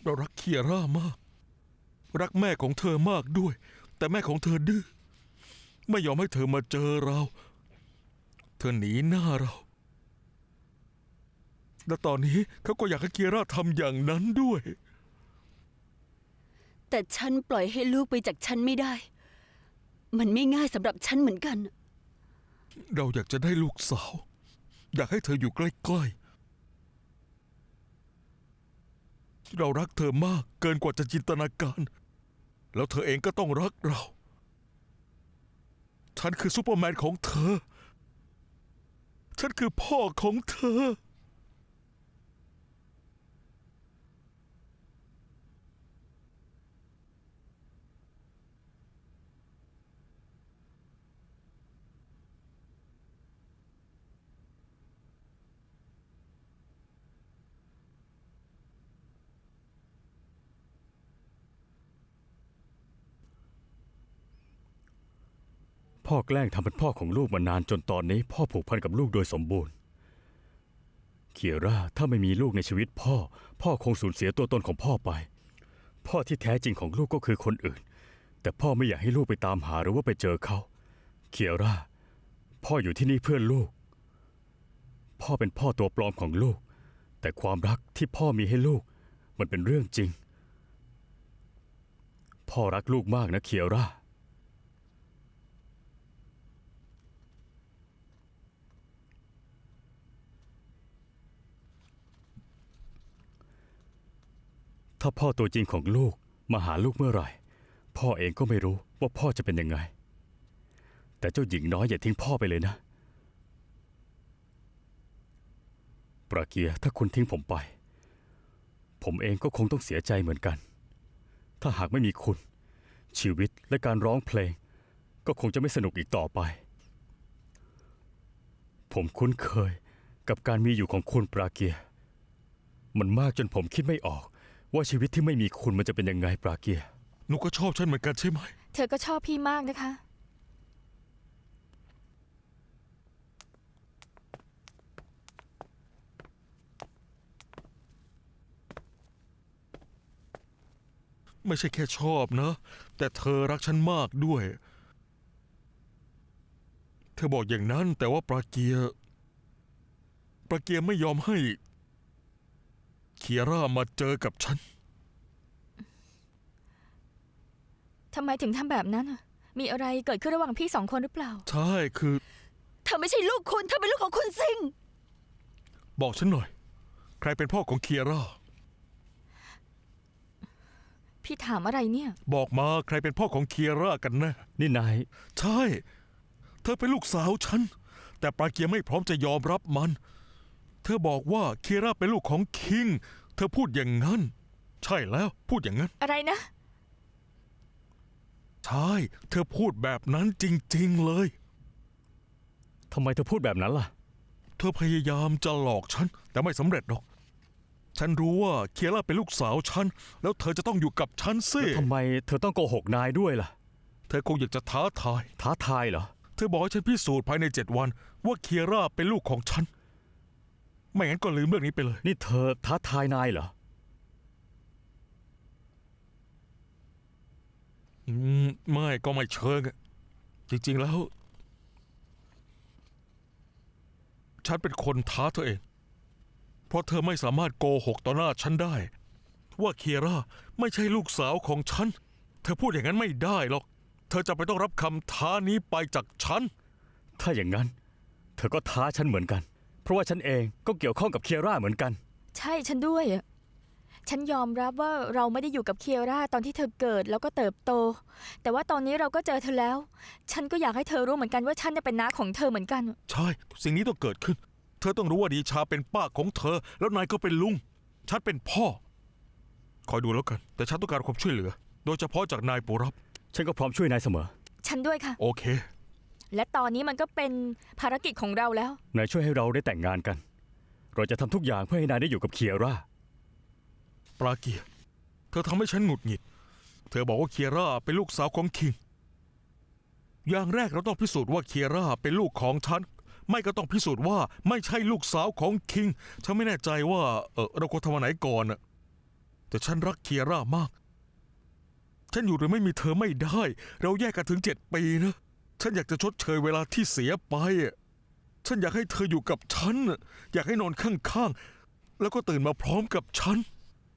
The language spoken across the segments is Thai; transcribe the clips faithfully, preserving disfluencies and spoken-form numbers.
เรารักเคียร่ามากรักแม่ของเธอมากด้วยแต่แม่ของเธอดื้อไม่ยอมให้เธอมาเจอเราเธอหนีหน้าเราและตอนนี้เขาก็อยากให้เคียร่าทำอย่างนั้นด้วยแต่ฉันปล่อยให้ลูกไปจากฉันไม่ได้มันไม่ง่ายสำหรับฉันเหมือนกันเราอยากจะได้ลูกสาวอยากให้เธออยู่ใกล้ๆเรารักเธอมากเกินกว่าจะจินตนาการแล้วเธอเองก็ต้องรักเราฉันคือซูเปอร์แมนของเธอฉันคือพ่อของเธอพ่อแกล้งทำเป็นพ่อของลูกมานานจนตอนนี้พ่อผูกพันกับลูกโดยสมบูรณ์เคียร่าถ้าไม่มีลูกในชีวิตพ่อพ่อคงสูญเสียตัวตนของพ่อไปพ่อที่แท้จริงของลูกก็คือคนอื่นแต่พ่อไม่อยากให้ลูกไปตามหาหรือว่าไปเจอเขาเคียร่าพ่ออยู่ที่นี่เพื่อลูกพ่อเป็นพ่อตัวปลอมของลูกแต่ความรักที่พ่อมีให้ลูกมันเป็นเรื่องจริงพ่อรักลูกมากนะเคียร่าถ้าพ่อตัวจริงของลูกมาหาลูกเมื่อไหร่พ่อเองก็ไม่รู้ว่าพ่อจะเป็นยังไงแต่เจ้าหญิงน้อยอย่าทิ้งพ่อไปเลยนะปราเกียร์ถ้าคุณทิ้งผมไปผมเองก็คงต้องเสียใจเหมือนกันถ้าหากไม่มีคุณชีวิตและการร้องเพลงก็คงจะไม่สนุกอีกต่อไปผมคุ้นเคยกับการมีอยู่ของคุณปราเกียร์มันมากจนผมคิดไม่ออกว่าชีวิตที่ไม่มีคุณมันจะเป็นยังไงปราเกียร์หนูก็ชอบฉันเหมือนกันใช่ไหมเธอก็ชอบพี่มากนะคะไม่ใช่แค่ชอบนะแต่เธอรักฉันมากด้วยเธอบอกอย่างนั้นแต่ว่าปราเกียร์ปราเกียร์ไม่ยอมให้เคียร่ามาเจอกับฉันทำไมถึงทำแบบนั้นมีอะไรเกิดขึ้นระหว่างพี่สองคนหรือเปล่าใช่คือเธอไม่ใช่ลูกคุณเธอเป็นลูกของคุณซิงบอกฉันหน่อยใครเป็นพ่อของเคียร่าพี่ถามอะไรเนี่ยบอกมาใครเป็นพ่อของเคียร่ากันแน่นี่นายใช่เธอเป็นลูกสาวฉันแต่ปราเกียร์ไม่พร้อมจะยอมรับมันเธอบอกว่าเคียร่าเป็นลูกของคิงเธอพูดอย่างนั้นใช่แล้วพูดอย่างนั้นอะไรนะใช่เธอพูดแบบนั้นจริงๆเลยทำไมเธอพูดแบบนั้นล่ะเธอพยายามจะหลอกฉันแต่ไม่สำเร็จหรอกฉันรู้ว่าเคียร่าเป็นลูกสาวฉันแล้วเธอจะต้องอยู่กับฉันสิทำไมเธอต้องโกหกนายด้วยล่ะเธอคงอยากจะท้าทายท้าทายเหรอเธอบอกให้ฉันพิสูจน์ภายในเจ็ดวันว่าเคียร่าเป็นลูกของฉันไม่งั้นก็ลืมเรื่องนี้ไปเลยนี่เธอท้าทายนายเหรออืมไม่ก็ไม่เชิงจริงๆแล้วฉันเป็นคนท้าเธอเองเพราะเธอไม่สามารถโกหกต่อหน้าฉันได้ว่าเคียร่าไม่ใช่ลูกสาวของฉันเธอพูดอย่างนั้นไม่ได้หรอกเธอจะไปต้องรับคำท้านี้ไปจากฉันถ้าอย่างนั้นเธอก็ท้าฉันเหมือนกันเพราะว่าฉันเองก็เกี่ยวข้องกับเคียร่าเหมือนกันใช่ฉันด้วยฉันยอมรับว่าเราไม่ได้อยู่กับเคียร่าตอนที่เธอเกิดแล้วก็เติบโตแต่ว่าตอนนี้เราก็เจอเธอแล้วฉันก็อยากให้เธอรู้เหมือนกันว่าฉันจะเป็นน้าของเธอเหมือนกันใช่สิ่งนี้ต้องเกิดขึ้นเธอต้องรู้ว่าดีชาเป็นป้าของเธอแล้วนายก็เป็นลุงฉันเป็นพ่อคอยดูแล้วกันแต่ฉันต้องการความช่วยเหลือโดยเฉพาะจากนายปุรับฉันก็พร้อมช่วยนายเสมอฉันด้วยค่ะโอเคและตอนนี้มันก็เป็นภารกิจของเราแล้วนายช่วยให้เราได้แต่งงานกันเราจะทำทุกอย่างเพื่อให้นายได้อยู่กับเคียร่าปราเกียร์เธอทำให้ฉันหงุดหงิดเธอบอกว่าเคียร่าเป็นลูกสาวของคิงอย่างแรกเราต้องพิสูจน์ว่าเคียร่าเป็นลูกของฉันไม่ก็ต้องพิสูจน์ว่าไม่ใช่ลูกสาวของคิงฉันไม่แน่ใจว่าเออเราควรทำอันไหนก่อนน่ะแต่ฉันรักเคียร่ามาก ฉันอยู่โดยไม่มีเธอไม่ได้ เราแยกกันถึงเจ็ดปีนะ ฉันอยากจะชดเชยเวลาที่เสียไปอะฉันอยากให้เธออยู่กับฉันน่ะอยากให้นอนข้างๆ แล้วก็ตื่นมาพร้อมกับฉัน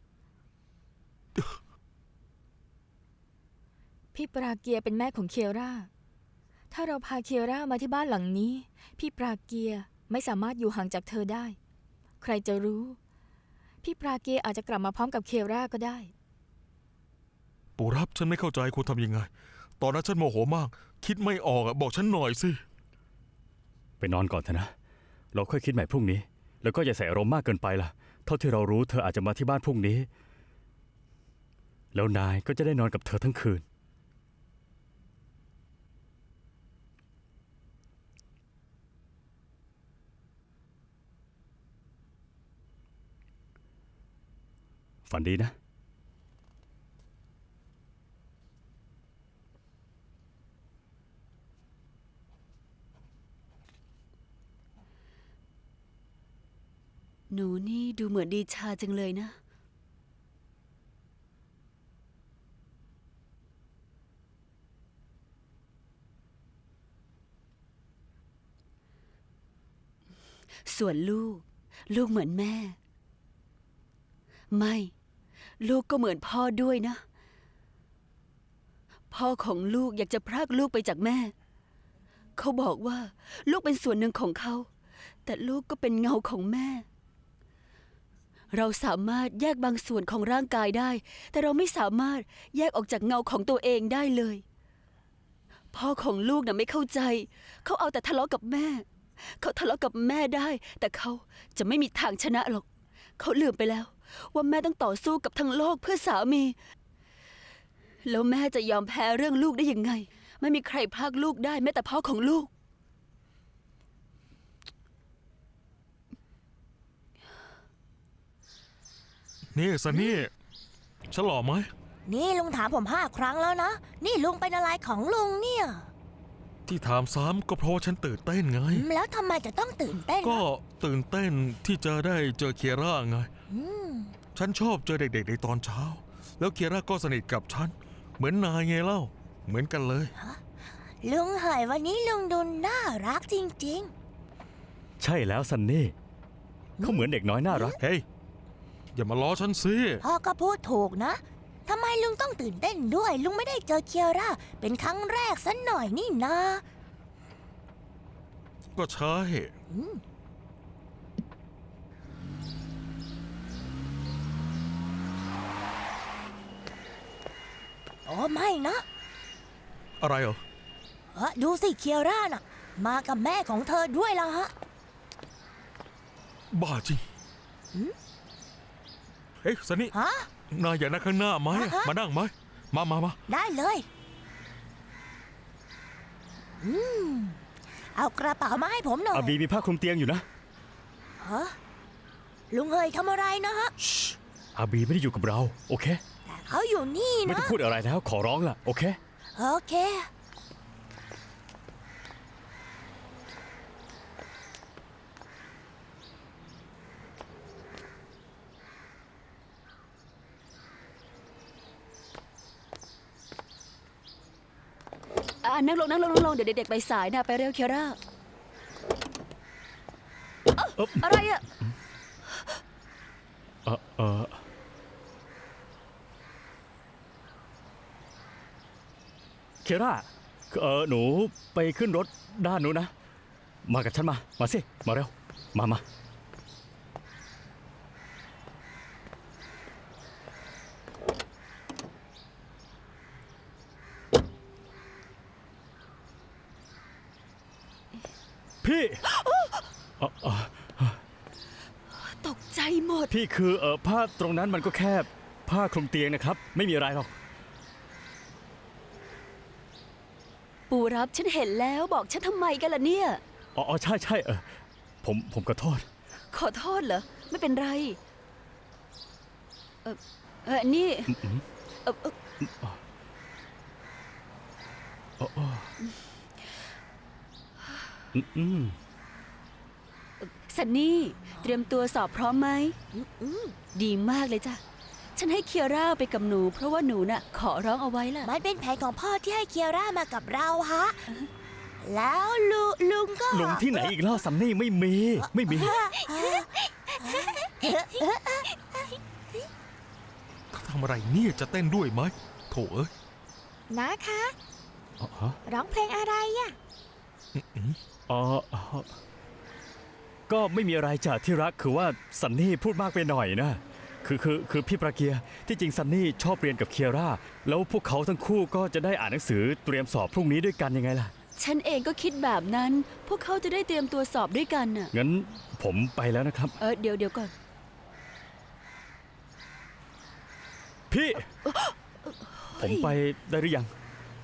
พี่ปราเกียเป็นแม่ของเคียร่า ถ้าเราพาเคียร่ามาที่บ้านหลังนี้ พี่ปราเกียไม่สามารถอยู่ห่างจากเธอได้ ใครจะรู้ พี่ปราเกียอาจจะกลับมาพร้อมกับเคียร่าก็ได้ปู่รับฉันไม่เข้าใจควรทำยังไง ตอนนั้นฉันโมโหมาก คิดไม่ออกอะบอกฉันหน่อยสิไปนอนก่อนเถอะนะ เราค่อยคิดใหม่พรุ่งนี้ แล้วก็อย่าใส่อารมณ์มากเกินไปล่ะ เท่าที่เรารู้เธออาจจะมาที่บ้านพรุ่งนี้ แล้วนายก็จะได้นอนกับเธอทั้งคืน ฝันดีนะหนูนี่ดูเหมือนดีชาจังเลยนะ ส่วนลูก ลูกเหมือนแม่ ไม่ ลูกก็เหมือนพ่อด้วยนะ พ่อของลูกอยากจะพรากลูกไปจากแม่ เขาบอกว่าลูกเป็นส่วนหนึ่งของเขา แต่ลูกก็เป็นเงาของแม่ เราสามารถแยกบางส่วนของร่างกายได้ แต่เราไม่สามารถแยกออกจากเงาของตัวเองได้เลย พ่อของลูกน่ะไม่เข้าใจ เขาเอาแต่ทะเลาะกับแม่ เขาทะเลาะกับแม่ได้ แต่เขาจะไม่มีทางชนะหรอก เขาลืมไปแล้ว ว่าแม่ต้องต่อสู้กับทั้งโลกเพื่อสามี แล้วแม่จะยอมแพ้เรื่องลูกได้ยังไง ไม่มีใครพรากลูกได้แม้แต่พ่อของลูกนี่ซันนี่ ฉันหล่อไหมนี่ลุงถามผมห้าครั้งแล้วนะ นี่ลุงเป็นอะไรของลุงเนี่ยที่ถามซ้ำก็เพราะว่าฉันตื่นเต้นไงอืมแล้วทำไมจะต้องตื่นเต้นก็นะตื่นเต้นที่จะได้เจอเคียร่าไงอืมฉันชอบเจอเด็กๆในตอนเช้า แล้วเคียร่าก็สนิทกับฉัน เหมือนนายไงเล่า เหมือนกันเลยลุงเหยวันนี้ลุงดูน่ารักจริงใช่แล้วซันนี่ เขาเหมือนเด็กน้อยน่ารักเฮ้ย อย่ามาล้อฉันสิๆ พ่อก็พูดถูกนะทำไมลุงต้องตื่นเต้นด้วย ลุงไม่ได้เจอเคียร่าเป็นครั้งแรกสัหน่อยนี่นะก็ใช่อืมโอ้ไม่นะอะไรเหรอเอ้อดูสิเคียร่าน่ะ มากับแม่ของเธอด้วยล่ะฮะบ้าจริงหืมเฮ้ยซันนี่ฮะนายอยากนั่งข้างหน้าไหมอ่ะฮะมานั่งไหม มามามาได้เลย อืม เอากระเป๋ามาให้ผมหน่อยอาบีมีผ้าคลุมเตียงอยู่นะฮะลุงเฮยทำอะไรนะฮะอาบีไม่ได้อยู่กับเรา โอเคแต่เขาอยู่นี่ไม่นะต้องพูดอะไรแล้ว ขอร้องล่ะ โอเคโอเคอ่านั่งลงนั่งลงนั่งลงเดี๋ยวเด็กๆไปสายนะ ไปเร็วเคียร่าเอ้าเอ๊ะอะไรอะเออเออเคร่าเออหนูไปขึ้นรถด้านนู้นนะ มากับฉันมา มาสิ มาเร็ว มามา พี่เอ่อเอ่อตกใจหมดพี่คือเออผ้าตรงนั้นมันก็แค่ผ้าคลุมเตียงนะครับ ไม่มีอะไรหรอกปู่รับฉันเห็นแล้วบอกฉันทำไมกันล่ะเนี่ยอ๋ออ๋อใช่ใช่เออผมผมขอโทษขอโทษเหรอ ไม่เป็นไร เออเออนี่เออเอออ๋ออ๋ออืมอืมซันนี่ เตรียมตัวสอบพร้อมไหมอืมดีมากเลยจ้ะฉันให้เคียร่าไปกับหนู เพราะว่าหนูน่ะขอร้องเอาไว้ล่ะมันเป็นแผนของพ่อที่ให้เคียร่ามากับเราฮะ แล้วลุลุงก็หลงที่ไหนอีกแล้วซันนี่ไม่มี ไม่มีเขาทำอะไรเนี่ยจะเต้นด้วยไหมโถเอ้ยนะคะอ๋อฮะร้องเพลงอะไรอะอ๋ออ๋อก็ไม่มีอะไรจ้ะที่รักคือว่าซันนี่พูดมากไปหน่อยนะ คือคือคือพี่ประเกียร์ที่จริงซันนี่ชอบเรียนกับเคียร่าแล้วพวกเขาทั้งคู่ก็จะได้อ่านหนังสือเตรียมสอบพรุ่งนี้ด้วยกันยังไงล่ะฉันเองก็คิดแบบนั้น พวกเขาจะได้เตรียมตัวสอบด้วยกันน่ะงั้นผมไปแล้วนะครับเออเดี๋ยวเดี๋ยวก่อนพี่ ผมไปได้หรือยัง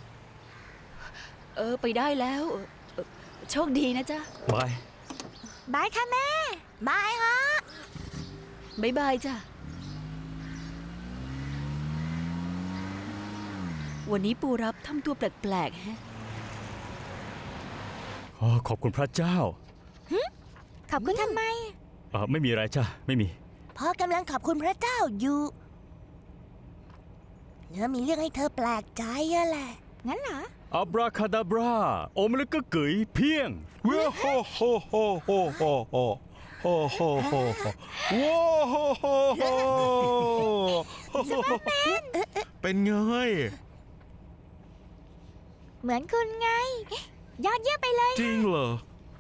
เออไปได้แล้วเออเออโชคดีนะจ๊ะบายบายค่ะแม่บายฮะบ๊ายบายจ้ะ วันนี้ปูรับทำตัวแปลกๆแฮะอ๋อขอบคุณพระเจ้าขอบคุณทำไมเออไม่มีอะไรจ้ะไม่มีพ่อกำลังขอบคุณพระเจ้าอยู่เนื้อมีเรื่องให้เธอแปลกใจอะแหละงั้นเหรออับราคาดาบราโอมแล้วก็เกยเพียงว้าวโฮโฮโฮโฮโฮโฮโฮโฮโฮโฮว้าวโฮโฮโฮเป็นไงเหมือนคุณไง ยอดเยี่ยมไปเลยจริงเหรอ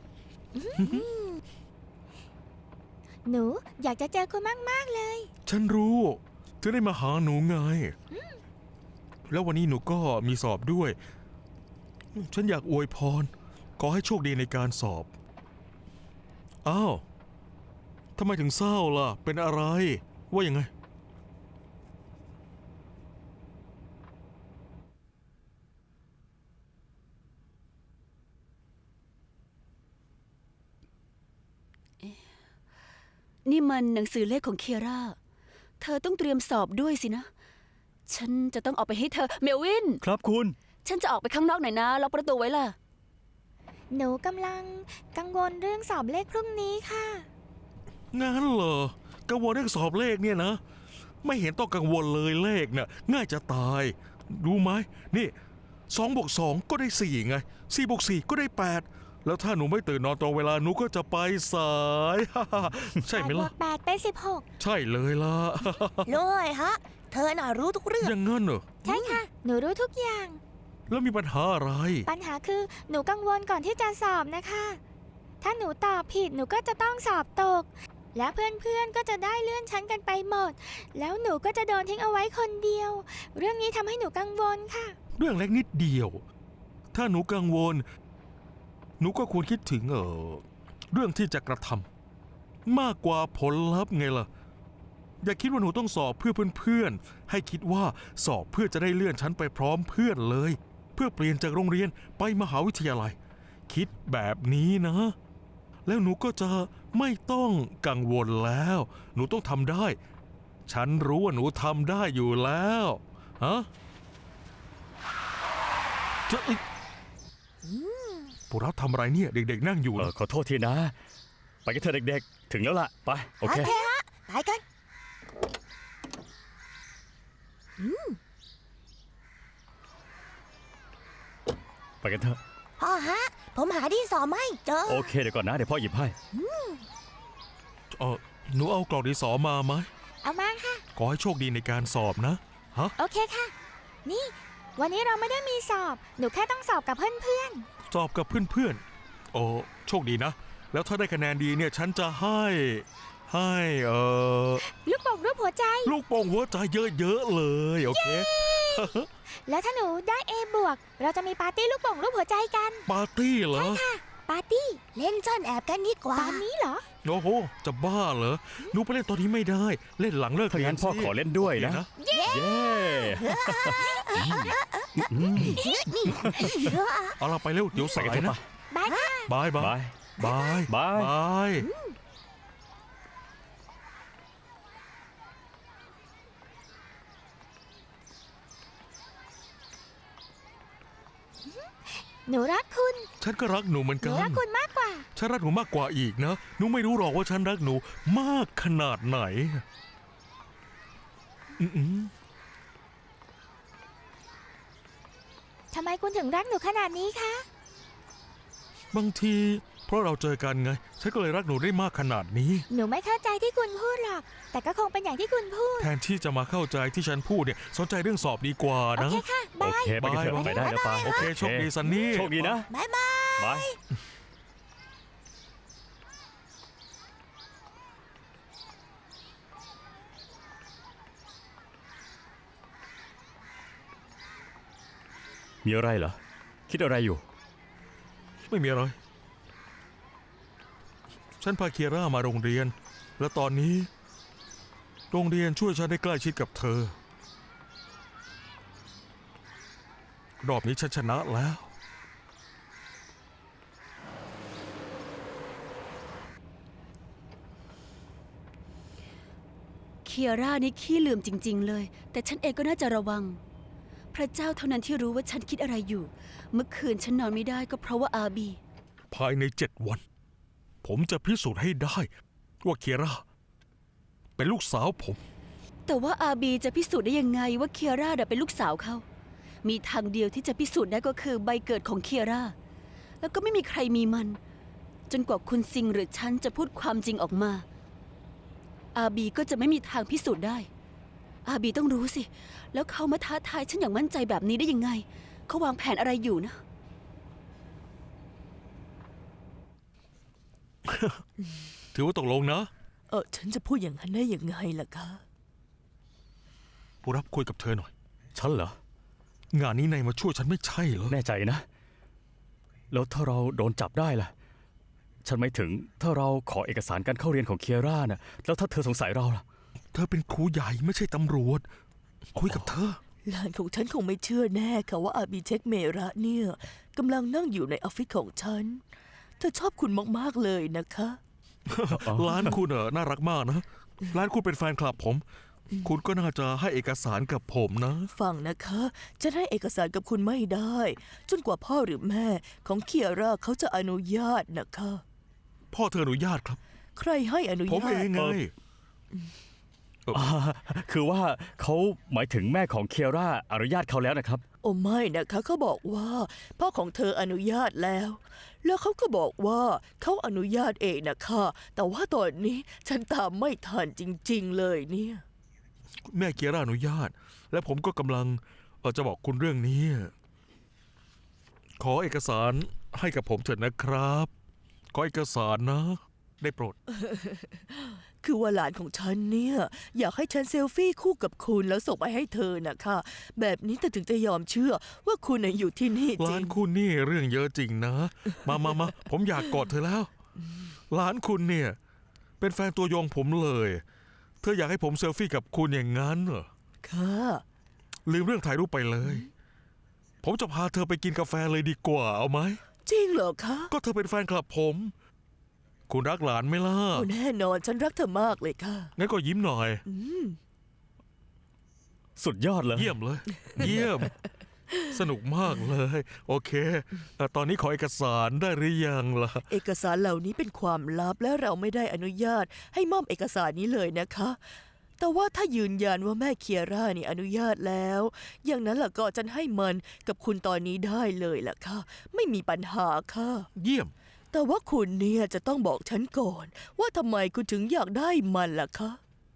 หนูอยากจะเจอคุณมาก ๆ เลยฉันรู้จะได้มาหาหนูไง แล้ววันนี้หนูก็มีสอบด้วย ฉันอยากอวยพร ขอให้โชคดีในการสอบ อ้าวทำไมถึงเศร้าล่ะ เป็นอะไร ว่ายังไงนี่มันหนังสือเลขของเคียร่า เธอต้องเตรียมสอบด้วยสินะ ฉันจะต้องเอาไปให้เธอ เมลวินครับคุณฉันจะออกไปข้างนอกหน่อยนะ ล็อกประตูไว้ล่ะหนูกำลังกังวลเรื่องสอบเลขพรุ่งนี้ค่ะงั้นเหรอ กังวลเรื่องสอบเลขเนี่ยนะ ไม่เห็นต้องกังวลเลยเลขน่ะง่ายจะตาย รู้ไหมนี่สองบวกสองก็ได้สี่ไงสี่บวกสี่ก็ได้แปดแล้วถ้าหนูไม่ตื่นนอนตรงเวลาหนูก็จะไปสาย ใช่ไหมแปดบวล่ะกแปดเป็นสิบหกใช่เลยล่ะลุงเอ๋ยฮะ เธอน่ะรู้ทุกเรื่องอย่างงั้นเหรอใช่ค่ะ หนูรู้ทุกอย่างแล้วมีปัญหาอะไรปัญหาคือหนูกังวลก่อนที่จะสอบนะคะ ถ้าหนูตอบผิดหนูก็จะต้องสอบตก และเพื่อนๆก็จะได้เลื่อนชั้นกันไปหมด แล้วหนูก็จะโดนทิ้งเอาไว้คนเดียว เรื่องนี้ทำให้หนูกังวลค่ะเรื่องเล็กนิดเดียว ถ้าหนูกังวล หนูก็ควรคิดถึงเออเรื่องที่จะกระทำมากกว่าผลลัพธ์ไงล่ะ อย่าคิดว่าหนูต้องสอบเพื่อเพื่อนๆ ให้คิดว่าสอบเพื่อจะได้เลื่อนชั้นไปพร้อมเพื่อนเลย เพื่อเปลี่ยนจากโรงเรียนไปมหาวิทยาลัย คิดแบบนี้นะ แล้วหนูก็จะไม่ต้องกังวลแล้ว หนูต้องทำได้ ฉันรู้ว่าหนูทำได้อยู่แล้วฮะจะเอ้ยพวกเราทำอะไรเนี่ย เด็กๆนั่งอยู่เอเหรออขอโทษทีนะ ไปกันเถอะเด็กๆ ถึงแล้วล่ะ ไป โอเคโอเคฮะ ไปกันไปกันเถอะพ่อฮะ ผมหาที่สอบไม่เจอโอเคเดี๋ยวก่อนนะ เดี๋ยวพ่อหยิบให้เออหนูเอากล่องดินสอมาไหมเอามาค่ะขอให้โชคดีในการสอบนะ ฮะโอเคค่ะ นี่ วันนี้เราไม่ได้มีสอบ หนูแค่ต้องสอบกับเพื่อนสอบกับเพื่อนๆ โอ้โชคดีนะ แล้วถ้าได้คะแนนดีเนี่ย ฉันจะให้ ให้ เออๆ ลูกโป่งรูปหัวใจลูกโป่งหัวใจเยอะๆเลย โอเคแล้วถ้าหนูได้ A บวก เราจะมีปาร์ตี้ลูกโป่งรูปหัวใจกันปาร์ตี้เหรอปาร์ตี้เล่นซ่อนแอบกันดีกว่าตอนนี้เหรอโอ้โห จะบ้าเหรอ หนูไปเล่นตอนนี้ไม่ได้ เล่นหลังเลิกถ้าเรียงั้นนพ่อสิขอเล่นด้วยนะโอเคเย้เอาเราไปเร็ว เดี๋ยวใส่สากันยเถอะนะปะบายค่ะบายบายบายบายบายบายหนูรักคุณฉันก็รักหนูเหมือนหนูกันรักคุณมากกว่าฉันรักหนูมากกว่าอีกนะ หนูไม่รู้หรอกว่าฉันรักหนูมากขนาดไหนอืมทำไมคุณถึงรักหนูขนาดนี้คะบางทีเพราะเราเจอกันไง ฉันก็เลยรักหนูได้มากขนาดนี้หนูไม่เข้าใจที่คุณพูดหรอก แต่ก็คงเป็นอย่างที่คุณพูดแทนที่จะมาเข้าใจที่ฉันพูดเนี่ยสนใจเรื่องสอบดีกว่าโอนะเคค่ะโอบายเคไปกันเถอะบายไปได้แล้วปาโอเคโชคดีซันนี่โชคดีนะบายบายบาย มีอะไรเหรอ คิดอะไรอยู่ไม่มีอะไร ฉันพาเคียร่ามาโรงเรียน และตอนนี้ โรงเรียนช่วยฉันได้ใกล้ชิดกับเธอ รอบนี้ฉันชนะแล้วเคียร่านี่ขี้ลืมจริง ๆ เลย แต่ฉันเองก็น่าจะระวัง พระเจ้าเท่านั้นที่รู้ว่าฉันคิดอะไรอยู่ เมื่อคืนฉันนอนไม่ได้ก็เพราะว่าอาบีภายในเจ็ดวัน ผมจะพิสูจน์ให้ได้ ว่าเคียร่าเป็นลูกสาวผมแต่ว่าอาบีจะพิสูจน์ได้ยังไงว่าเคียร่าน่ะเป็นลูกสาวเขา มีทางเดียวที่จะพิสูจน์ได้ก็คือใบเกิดของเคียร่า แล้วก็ไม่มีใครมีมัน จนกว่าคุณซิงหรือฉันจะพูดความจริงออกมา อาบีก็จะไม่มีทางพิสูจน์ได้ อาบีต้องรู้สิ แล้วเขามาท้าทายฉันอย่างมั่นใจแบบนี้ได้ยังไง เขาวางแผนอะไรอยู่นะถือว่าตกลงนะเออฉันจะพูดอย่างนั้นได้ยังไงล่ะคะผู้รับคุยกับเธอหน่อยฉันเหรองานนี้นายมาช่วยฉันไม่ใช่เหรอแน่ใจนะ แล้วถ้าเราโดนจับได้ล่ะ ฉันไม่ถึงถ้าเราขอเอกสารการเข้าเรียนของเคียร่านะแล้วถ้าเธอสงสัยเราล่ะเธอเป็นครูใหญ่ไม่ใช่ตำรวจ คุยกับเธอหลานของฉันคงไม่เชื่อแน่ค่ะว่าอาบีเช็คเมระเนี่ยกำลังนั่งอยู่ในออฟฟิศของฉันเธอชอบคุณมากๆเลยนะคะร้านคุณเออน่ารักมากนะ ร้านคุณเป็นแฟนคลับผม คุณก็น่าจะให้เอกสารกับผมนะฟังนะคะฉันให้เอกสารกับคุณไม่ได้ จนกว่าพ่อหรือแม่ของเคียร่าเขาจะอนุญาตนะคะพ่อเธออนุญาตครับใครให้อนุผมญาเอตงไงอ่าคือว่าเขาหมายถึงแม่ของเคียร่าอนุญาตเขาแล้วนะครับโอ้ไม่นะคะเขาบอกว่าพ่อของเธออนุญาตแล้ว แล้วเขาก็บอกว่าเขาอนุญาตเองนะคะแต่ว่าตอนนี้ฉันตามไม่ทันจริงๆเลยเนี่ยแม่เกียร่าอนุญาต และผมก็กำลังเอ่อจะบอกคุณเรื่องนี้ ขอเอกสารให้กับผมเถิดนะครับ ขอเอกสารนะ ได้โปรดคือว่าหลานของฉันเนี่ยอยากให้ฉันเซลฟี่คู่กับคุณแล้วส่งไปให้เธอนะคะ แบบนี้เธอถึงจะยอมเชื่อว่าคุณน่ะอยู่ที่นี่จริร้านงคุณนี่เรื่องเยอะจริงนะ มามามาผมอยากกอดเธอแล้ว ร้านคุณเนี่ย เป็นแฟนตัวยงผมเลย เธออยากให้ผมเซลฟี่กับคุณอย่างนั้นเหรอค่ะลืมเรื่องถ่ายรูปไปเลย ผมจะพาเธอไปกินกาแฟเลยดีกว่าเอาไหมจริงเหรอคะก็เธอเป็นแฟนคลับผม คุณรักหลานไหมล่ะโอ้แน่นอนฉันรักเธอมากเลยค่ะงั้นก็ยิ้มหน่อยอืมสุดยอดเลยเยี่ยมเลย เยี่ยม สนุกมากเลย โอเคเอ่อตอนนี้ขอเอกสารได้หรือยังล่ะเอกสารเหล่านี้เป็นความลับและเราไม่ได้อนุญาตให้มอบเอกสารนี้เลยนะคะ แต่ว่าถ้ายืนยันว่าแม่เคียร่านี่อนุญาตแล้ว อย่างนั้นล่ะก็ฉันให้มันกับคุณตอนนี้ได้เลยล่ะค่ะ ไม่มีปัญหาค่ะเยี่ยมแต่ว่าคุณเนี่ยจะต้องบอกฉันก่อน ว่าทำไมคุณถึงอยากได้มันล่ะคะ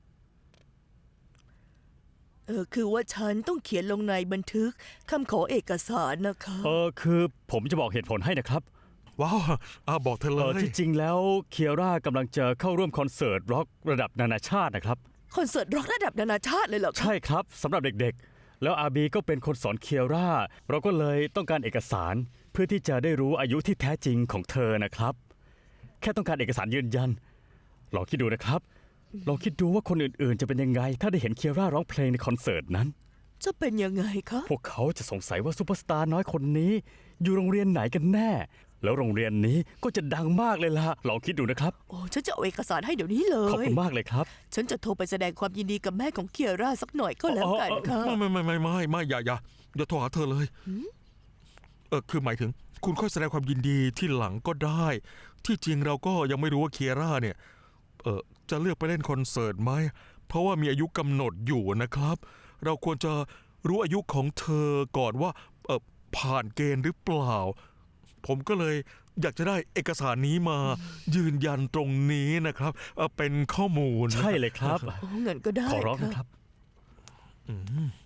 เออคือว่าฉันต้องเขียนลงในบันทึกคำขอเอกสารนะคะเออคือผมจะบอกเหตุผลให้นะครับว้าวอาบอกเธอเอเลอย ที่จริงแล้วเคียร่ากำลังจะเข้าร่วมคอนเสิร์ตร็อกระดับนานาชาตินะครับคอนเสิร์ตร็อกระดับนานาชาติเลยเหรอคะใช่ครับสำหรับเด็กๆ แล้วอาบีก็เป็นคนสอนเคียร่า เราก็เลยต้องการเอกสารเพื่อที่จะได้รู้อายุที่แท้จริงของเธอนะครับ แค่ต้องการเอกสารยืนยัน ลองคิดดูนะครับ ลองคิดดูว่าคนอื่นๆ จะเป็นยังไง ถ้าได้เห็นเคียร่าร้องเพลงในคอนเสิร์ตนั้นจะเป็นยังไงคะพวกเขาจะสงสัยว่าซูเปอร์สตาร์น้อยคนนี้ อยู่โรงเรียนไหนกันแน่ แล้วโรงเรียนนี้ก็จะดังมากเลยล่ะ ลองคิดดูนะครับโอ้ฉันจะเอาเอกสารให้เดี๋ยวนี้เลขอบยคุณมากเลยครับฉันจะโทรไปแสดงความยินดีกับแม่ของเคียร่าสักหน่อยก็แล้วกันค่ะไม่ไม่ไม่ไม่ไม่ไม่อย่าอย่าอย่าโทรหาเธอเลย เออคือหมายถึง คุณค่อยแสดงความยินดีที่หลังก็ได้ ที่จริงเราก็ยังไม่รู้ว่าเคียร่าเนี่ย เออจะเลือกไปเล่นคอนเสิร์ตไหม ผเพราะว่ามีอายุกำหนดอยู่นะครับ เราควรจะรู้อายุของเธอก่อนว่าเออผ่านเกณฑ์หรือเปล่า ผมก็เลยอยากจะได้เอกสารนี้มายืนยันตรงนี้นะครับเอ่อเป็นข้อมูลใช่เลยครับโอ้เงินก็ได้ขอร้องค่ะนะครับอืม